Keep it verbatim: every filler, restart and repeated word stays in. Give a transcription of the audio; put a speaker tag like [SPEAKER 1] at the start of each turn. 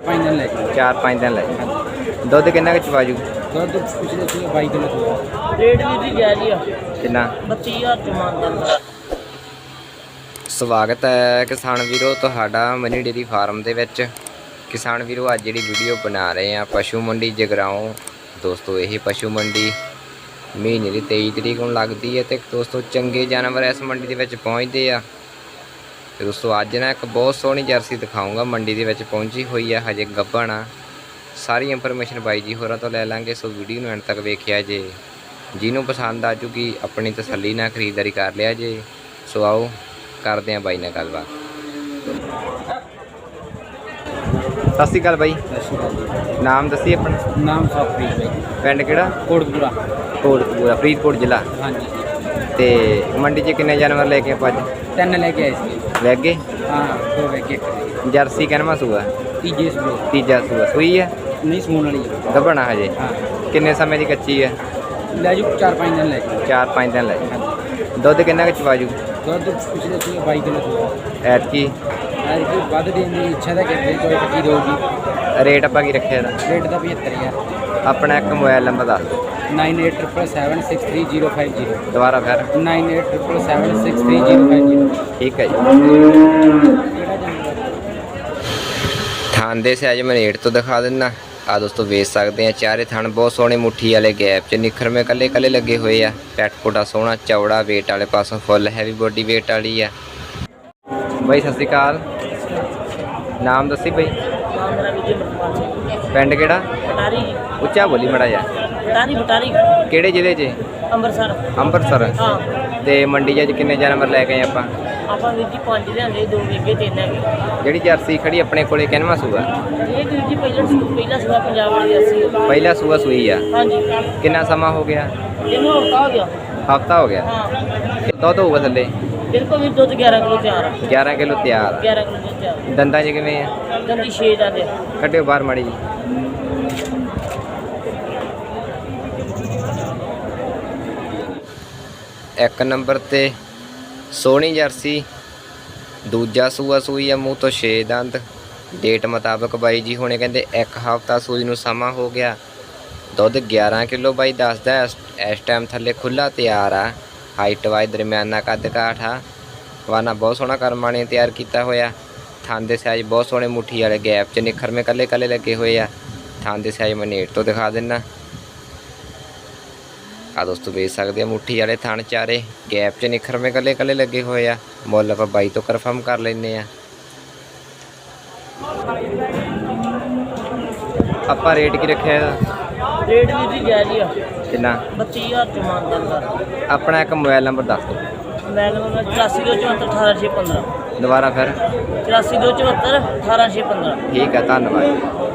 [SPEAKER 1] पाँच दिन लगे
[SPEAKER 2] चार पाँच दिन लगे दुध किन्ना कुछ बाजू
[SPEAKER 1] दुध पिछले से बाई किलो हुआ
[SPEAKER 3] रेट भी जी जायज़ ही आ
[SPEAKER 2] किन्ना
[SPEAKER 3] बत्ती हज़ार च मानदा
[SPEAKER 2] ਸਵਾਗਤ ਹੈ ਕਿਸਾਨ ਵੀਰੋ ਤੁਹਾਡਾ ਮਨੀ ਡੇਰੀ ਫਾਰਮ ਦੇ ਵਿੱਚ। ਕਿਸਾਨ ਵੀਰੋ ਅੱਜ ਜਿਹੜੀ ਵੀਡੀਓ ਬਣਾ ਰਹੇ ਆ ਪਸ਼ੂ ਮੰਡੀ ਜਗਰਾਓਂ। ਦੋਸਤੋ ਇਹ ਪਸ਼ੂ ਮੰਡੀ ਮਹੀਨੇ ਦੀ ਤੇਈ ਤਰੀਕ ਨੂੰ ਲੱਗਦੀ ਹੈ ਤੇ ਦੋਸਤੋ ਚੰਗੇ ਜਾਨਵਰ ਇਸ ਮੰਡੀ ਦੇ ਵਿੱਚ ਪਹੁੰਚਦੇ ਆ। ਤੇ ਦੋਸਤੋ ਅੱਜ ਨਾ ਇੱਕ ਬਹੁਤ ਸੋਹਣੀ ਜਰਸੀ ਦਿਖਾਊਂਗਾ ਮੰਡੀ ਦੇ ਵਿੱਚ ਪਹੁੰਚੀ ਹੋਈ ਆ, ਹਜੇ ਗੱਭਣ ਆ। ਸਾਰੀ ਇਨਫੋਰਮੇਸ਼ਨ ਬਾਈ ਜੀ ਹੋਰਾਂ ਤੋਂ ਲੈ ਲਾਂਗੇ, ਸੋ ਵੀਡੀਓ ਨੂੰ ਐਂਡ ਤੱਕ ਵੇਖਿਆ ਜੇ। ਜਿਹਨੂੰ ਪਸੰਦ ਆ ਜੂਗੀ ਆਪਣੀ ਤਸੱਲੀ ਨਾਲ ਖਰੀਦਦਾਰੀ ਕਰ ਲਿਆ ਜੇ। ਸੋ ਆਓ ਕਰਦੇ हैं बाई ने गलबात। सत श्री अकाल बाई, नाम दसी अपना?
[SPEAKER 1] नाम सौप्रीत भाई,
[SPEAKER 2] पिंड किहड़ा?
[SPEAKER 1] कोटकपूरा
[SPEAKER 2] कोटकपूरा फरीदकोट जिला।
[SPEAKER 1] हाँ जी
[SPEAKER 2] ते मंडी च किन्ने जानवर लेके आप अज?
[SPEAKER 1] तीन लेके आए थे।
[SPEAKER 2] वैगे?
[SPEAKER 1] हाँ दो वैगे।
[SPEAKER 2] जर्सी कहना सूआ?
[SPEAKER 1] तीजे सूए।
[SPEAKER 2] तीजा सूआ सूई है?
[SPEAKER 1] नहीं सून वाली है।
[SPEAKER 2] गब्बना हजे?
[SPEAKER 1] हाँ।
[SPEAKER 2] किन्ने समय की कच्ची है?
[SPEAKER 1] ले जू चार पाँच दिन लगे।
[SPEAKER 2] चार पाँच दिन लगे। दुध किन्ना कुछ बाजू?
[SPEAKER 1] दुध पिछले से बाई किलो हुआ
[SPEAKER 2] ऐतकी
[SPEAKER 1] ऐतकी वध देने की इच्छा तो कहते कोई पक्की दोगी।
[SPEAKER 2] रेट आप की रखे दा?
[SPEAKER 1] रेट का पचहत्तर हज़ार।
[SPEAKER 2] अपना एक मोबाइल नंबर दस दो।
[SPEAKER 1] Nine eight triple seven six three zero five zero.
[SPEAKER 2] दोबारा फिर?
[SPEAKER 1] Nine eight triple seven six three zero five zero.
[SPEAKER 2] ठीक है जी। थान दे साइज मैं रेट तो दिखा देना। आ दोस्तों वेच सकते हैं। चारे थान बहुत सोहने मुट्ठी वाले गैप च निखर में कले कले लगे हुए आ। पैट पुटा सोहना चौड़ा, वेट वाले पासों फुल हैवी बॉडी वेट वाली है। भाई सत श्री अकाल, नाम दसी भाई?
[SPEAKER 3] नाम मेरा विजय मरपाल सिंह
[SPEAKER 2] पिंड किहड़ा?
[SPEAKER 3] बटारी
[SPEAKER 2] उच्चा बोली मड़ा जा।
[SPEAKER 3] बटारी बटारी
[SPEAKER 2] किहड़े जिले च?
[SPEAKER 3] ਅੰਮ੍ਰਿਤਸਰ।
[SPEAKER 2] ਅੰਮ੍ਰਿਤਸਰ।
[SPEAKER 3] ਹਾਂ
[SPEAKER 2] ਤੇ ਮੰਡੀ 'ਚ ਅੱਜ ਕਿੰਨੇ ਜਾਨਵਰ ਲੈ ਕੇ ਆਏ ਆਪਾਂ?
[SPEAKER 3] ਆਪਾਂ ਵੀਰ ਜੀ ਪੰਜ ਲਿਆਂਦੇ, ਦੋ ਵੇਗੇ ਤਿੰਨ ਹੈਗੇ।
[SPEAKER 2] ਜਿਹੜੀ ਜਰਸੀ ਖੜੀ ਆਪਣੇ ਕੋਲੇ ਕਿੰਨਵਾਂ ਸੂਆ?
[SPEAKER 3] ਇਹ ਵੀਰ ਜੀ ਪਹਿਲਾਂ ਸੂ ਪਹਿਲਾ ਸੂਆ ਪੰਜਾਬ ਵਾਲੀ ਜਰਸੀ।
[SPEAKER 2] ਪਹਿਲਾ ਸੂਆ ਸੂਈ ਆ।
[SPEAKER 3] ਹਾਂਜੀ
[SPEAKER 2] ਕਿੰਨਾ ਸਮਾਂ ਹੋ ਗਿਆ?
[SPEAKER 3] ਇਹਨੂੰ ਹਫਤਾ ਹੋ ਗਿਆ।
[SPEAKER 2] ਹਫਤਾ ਹੋ ਗਿਆ।
[SPEAKER 3] ਹਾਂ
[SPEAKER 2] ਦੁੱਧ ਹੋਊਗਾ ਥੱਲੇ?
[SPEAKER 3] ਬਿਲਕੁਲ ਵੀ ਦੁੱਧ ਗਿਆਰਾਂ ਕਿਲੋ ਤਿਆਰ ਆ।
[SPEAKER 2] ਗਿਆਰਾਂ ਕਿਲੋ ਤਿਆਰ ਆ।
[SPEAKER 3] ਗਿਆਰਾਂ ਕਿਲੋ ਦੁੱਧ ਤਿਆਰ।
[SPEAKER 2] ਦੰਦਾਂ 'ਚ ਕਿਵੇਂ ਆ?
[SPEAKER 3] ਦੰਦੀ ਛੇ ਦੰਦ ਆ।
[SPEAKER 2] ਕੱਢਿਓ ਬਾਹਰ ਮਾੜੀ ਜੀ। ਇੱਕ ਨੰਬਰ ਤੇ ਸੋਹਣੀ ਜਰਸੀ, ਦੂਜਾ ਸੂਆ ਸੂਈ ਆ, ਮੂੰਹ ਤੋਂ ਛੇ ਦੰਦ। ਡੇਟ ਮੁਤਾਬਕ ਬਾਈ ਜੀ ਹੁਣੇ ਕਹਿੰਦੇ ਇੱਕ ਹਫ਼ਤਾ ਸੂਈ ਨੂੰ ਸਮਾਂ ਹੋ ਗਿਆ। ਦੁੱਧ ਗਿਆਰਾਂ ਕਿਲੋ ਬਾਈ ਦੱਸਦਾ। ਇਸ ਟਾਈਮ ਥੱਲੇ ਖੁੱਲ੍ਹਾ ਤਿਆਰ ਆ। ਹਾਈਟ ਵਾਈਜ਼ ਦਰਮਿਆਨਾ ਕੱਦ ਕਾਠ ਆ। ਵਾਨਾ ਬਹੁਤ ਸੋਹਣਾ ਕਰਮਾਂ ਨੇ ਤਿਆਰ ਕੀਤਾ ਹੋਇਆ। ਥਣ ਦੇ ਸਾਈਜ਼ ਬਹੁਤ ਸੋਹਣੇ ਮੁੱਠੀ ਵਾਲੇ ਗੈਪ 'ਚ ਨਿਖਰਵੇਂ ਕੱਲੇ ਕੱਲੇ ਲੱਗੇ ਹੋਏ ਆ। ਥਣ ਦੇ ਸਾਈਜ਼ ਮੈਂ ਨੇੜ ਤੋਂ ਦਿਖਾ ਦਿੰਦਾ। ਆ ਦੋਸਤੋ ਵੇਚ ਸਕਦੇ ਆ ਮੁੱਠੀ ਵਾਲੇ ਥਣ ਚਾਰੇ, ਗੈਪ 'ਚ ਨਿਖਰਵੇਂ ਕੱਲੇ ਕੱਲੇ ਲੱਗੇ ਹੋਏ ਆ। ਮੁੱਲ ਆਪਾਂ ਬਾਈ ਤੋਂ ਕਨਫਰਮ ਕਰ ਲੈਂਦੇ ਆ। ਆਪਾਂ ਰੇਟ ਕੀ ਰੱਖਿਆ ਇਹਦਾ?
[SPEAKER 3] ਰੇਟ ਵੀਰ ਜੀ ਜਾਇਜ਼ ਹੀ ਆ।
[SPEAKER 2] ਕਿੰਨਾ?
[SPEAKER 3] ਬੱਤੀ ਹਜ਼ਾਰ ਚ ਮਾਨਦਾ।
[SPEAKER 2] ਆਪਣਾ ਇੱਕ ਮੋਬਾਈਲ ਨੰਬਰ ਦੱਸ ਦਿਓ।
[SPEAKER 3] ਮੋਬਾਈਲ ਨੰਬਰ ਚੁਰਾਸੀ ਦੋ ਚੁਹੱਤਰ ਅਠਾਰਾਂ ਛੇ ਪੰਦਰਾਂ।
[SPEAKER 2] ਦੁਬਾਰਾ ਫਿਰ?
[SPEAKER 3] ਚੁਰਾਸੀ ਦੋ ਚੁਹੱਤਰ ਅਠਾਰਾਂ ਛੇ ਪੰਦਰਾਂ।
[SPEAKER 2] ਠੀਕ ਹੈ, ਧੰਨਵਾਦ।